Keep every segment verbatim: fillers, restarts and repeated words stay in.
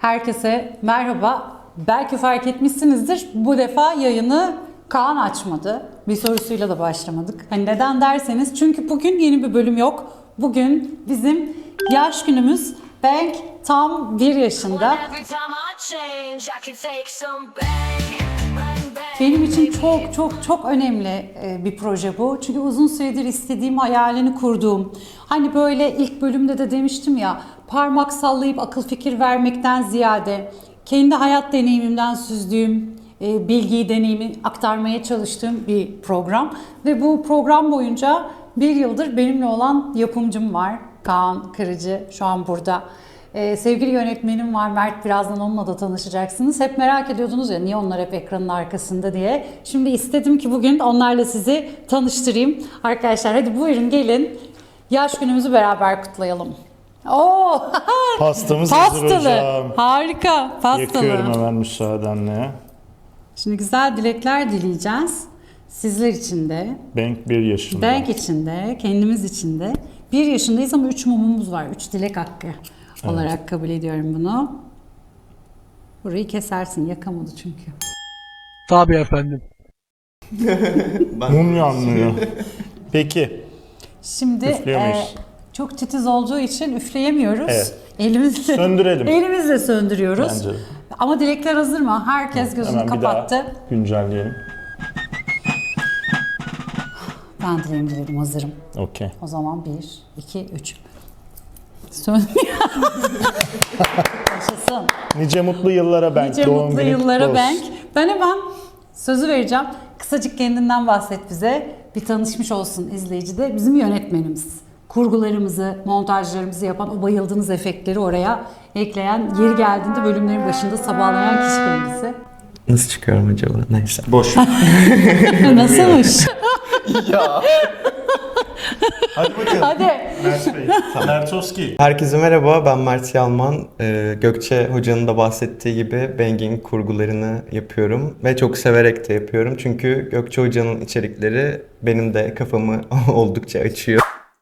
Herkese merhaba. Belki fark etmişsinizdir. Bu defa yayını Kaan açmadı. Bir sorusuyla da başlamadık. Hani neden derseniz çünkü bugün yeni bir bölüm yok. Bugün bizim yaş günümüz. Bank tam bir yaşında. Benim için çok çok çok önemli bir proje bu. Çünkü uzun süredir istediğim, hayalini kurduğum. Hani böyle ilk bölümde de demiştim ya, parmak sallayıp akıl fikir vermekten ziyade kendi hayat deneyimimden süzdüğüm bilgiyi, deneyimi aktarmaya çalıştığım bir program. Ve bu program boyunca bir yıldır benimle olan yapımcım var. Kaan Kırıcı şu an burada. Ee, sevgili yönetmenim var Mert, birazdan onunla da tanışacaksınız. Hep merak ediyordunuz ya niye onlar hep ekranın arkasında diye. Şimdi istedim ki bugün onlarla sizi tanıştırayım. Arkadaşlar hadi buyurun gelin. Yaş günümüzü beraber kutlayalım. Oo! Pastamız hazır hocam. Harika. Pastalı. Yakıyorum hemen müsaadenle. Şimdi güzel dilekler dileyeceğiz. Sizler için de. Bank bir yaşında. Bank için de, kendimiz için de. Bir yaşındayız ama üç mumumuz var. Üç dilek hakkı olarak evet. Kabul ediyorum bunu. Burayı kesersin. Yakamadı çünkü. Tabii efendim. Mum yanmıyor. Peki. Şimdi e, çok titiz olduğu için üfleyemiyoruz. Evet. Elimizle, Söndürelim. Elimizle söndürüyoruz. Bence. Ama dilekler hazır mı? Herkes gözünü Hemen kapattı. Bir daha güncelleyelim. Ben dileğimi diledim, hazırım. Okey. O zaman bir, iki, üç. Sön. Yaşasın. Nice mutlu yıllara Bank. Nice Doğum mutlu günü yıllara olsun. Bank. Ben hemen sözü vereceğim. Kısacık kendinden bahset bize. Bir tanışmış olsun izleyici de. Bizim yönetmenimiz. Kurgularımızı, montajlarımızı yapan, o bayıldığınız efektleri oraya ekleyen, yeri geldiğinde bölümlerin başında sabahlayan kişi kendisi. Nasıl çıkıyorum acaba? Neyse. Boş. Nasılmış? Ya. Hadi bakalım. Hadi. Mert Bey. Mertovski. Herkese merhaba, ben Mert Yalman. Ee, Gökçe Hoca'nın da bahsettiği gibi Bang'in kurgularını yapıyorum. Ve çok severek de yapıyorum. Çünkü Gökçe Hoca'nın içerikleri benim de kafamı oldukça açıyor.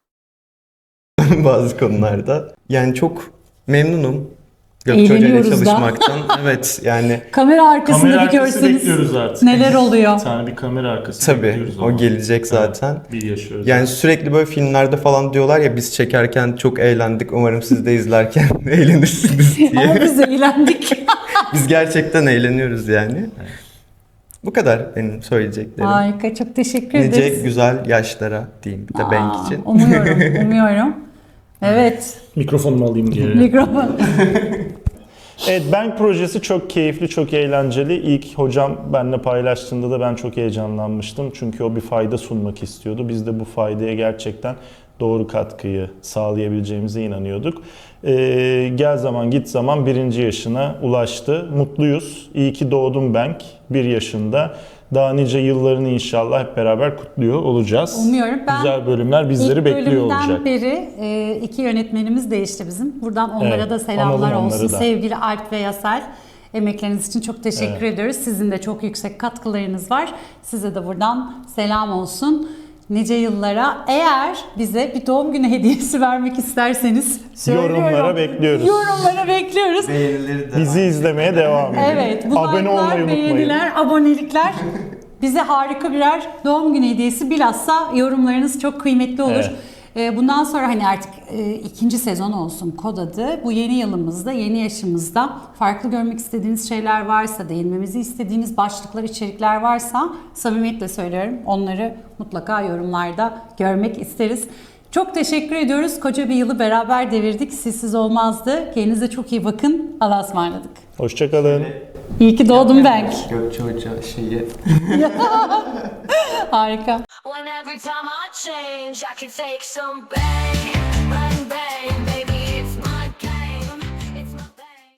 Bazı konularda. Yani çok memnunum Gökçe Hoca ile çalışmaktan. Evet yani. Kamera arkasında Kamera bir arkası görseniz bekliyoruz artık. neler oluyor. Bir tane bir kamera arkası Tabii bekliyoruz. o ama. gelecek zaten. Evet, bir yaşıyoruz. Yani sürekli böyle filmlerde falan diyorlar ya biz çekerken çok eğlendik. Umarım siz de izlerken eğlenirsiniz diye. Ama biz eğlendik. Biz gerçekten eğleniyoruz yani. Evet. Bu kadar benim söyleyeceklerim. Harika, çok teşekkür nice ederiz. güzel yaşlara diyeyim bir de Aa, Bank için. Umuyorum, umuyorum. Evet. Mikrofonumu alayım geri. Mikrofon. Evet, Bank projesi çok keyifli, çok eğlenceli. İlk hocam benimle paylaştığında da ben çok heyecanlanmıştım. Çünkü o bir fayda sunmak istiyordu. Biz de bu faydaya gerçekten doğru katkıyı sağlayabileceğimize inanıyorduk. Ee, gel zaman git zaman birinci yaşına ulaştı. Mutluyuz. İyi ki doğdum Bank. Bir yaşında. Daha nice yıllarını inşallah hep beraber kutluyor olacağız. Umuyorum. Ben güzel bölümler bizleri bekliyor olacak. İlk bölümden beri e, iki yönetmenimiz değişti bizim. Buradan onlara Evet, da selamlar analım olsun. onları da. Sevgili Alp ve Yasel. Emekleriniz için çok teşekkür Evet. ediyoruz. Sizin de çok yüksek katkılarınız var. Size de buradan selam olsun. Nice yıllara. Eğer bize bir doğum günü hediyesi vermek isterseniz Yorumlara bekliyoruz. Yorumlara bekliyoruz. Beğenileri de Bizi izlemeye devam edin. Evet, bu Abone like'lar, olmayı unutmayın. beğeniler, abonelikler bize harika birer doğum günü hediyesi. Bilhassa yorumlarınız çok kıymetli olur. Evet. Bundan sonra hani artık ikinci sezon olsun kod adı. Bu yeni yılımızda, yeni yaşımızda farklı görmek istediğiniz şeyler varsa, değinmemizi istediğiniz başlıklar, içerikler varsa samimiyetle söylüyorum. Onları mutlaka yorumlarda görmek isteriz. Çok teşekkür ediyoruz. Koca bir yılı beraber devirdik. Sizsiz olmazdı. Kendinize çok iyi bakın. Allah'a ısmarladık. Hoşçakalın. İyi ki doğdum Bank. Gökçe Hoca şeyi. Harika. When every time I change, I can take some bang, bang, bang, baby.